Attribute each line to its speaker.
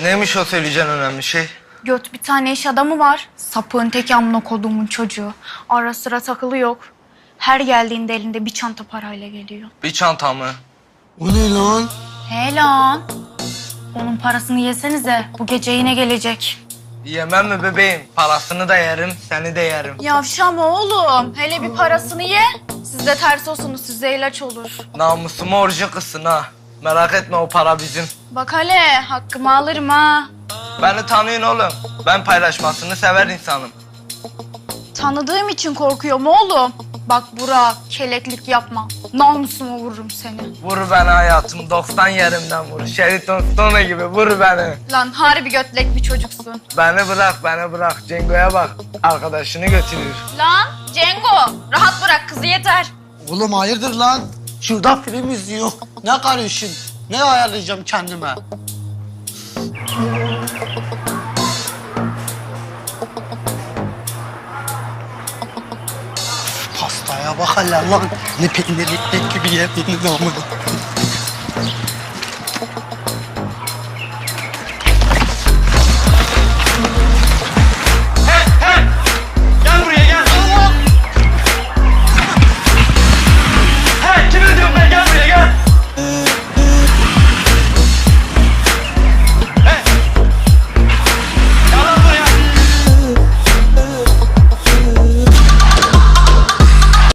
Speaker 1: Neymiş o söyleyeceğin önemli şey?
Speaker 2: Göt bir tane iş adamı var. Sapığın teki amına koduğumun çocuğu. Ara sıra takılı yok. Her geldiğinde elinde bir çanta parayla geliyor.
Speaker 1: Bir çanta mı?
Speaker 3: O ne lan?
Speaker 2: He lan. Onun parasını yesenize. Bu gece yine gelecek.
Speaker 1: Yemem mi bebeğim? Parasını da yerim, seni de yerim.
Speaker 2: Yavşama oğlum. Hele bir parasını ye. Siz de ters olsunuz. Size ilaç olur.
Speaker 1: Namusumu orucu kızsın ha. Merak etme o para bizim.
Speaker 2: Bak hele hakkımı alırım ha.
Speaker 1: Beni tanıyın oğlum. Ben paylaşmasını sever insanım.
Speaker 2: Tanıdığım için korkuyorum oğlum. Bak Burak, keleklik yapma. Namusuma vururum seni.
Speaker 1: Vur beni hayatım, 90 yerimden vur. Sheraton Stone gibi vur beni.
Speaker 2: Lan harbi götlek bir çocuksun.
Speaker 1: Beni bırak. Cengo'ya bak. Arkadaşını götürür.
Speaker 2: Lan Cengo, rahat bırak kızı yeter.
Speaker 3: Oğlum hayırdır lan? Şurada film izliyor. Ne karışın? Ne ayarlayacağım kendime? Pastaya bak hele lan. Ne peynirli ekmek gibi yediğiniz amına.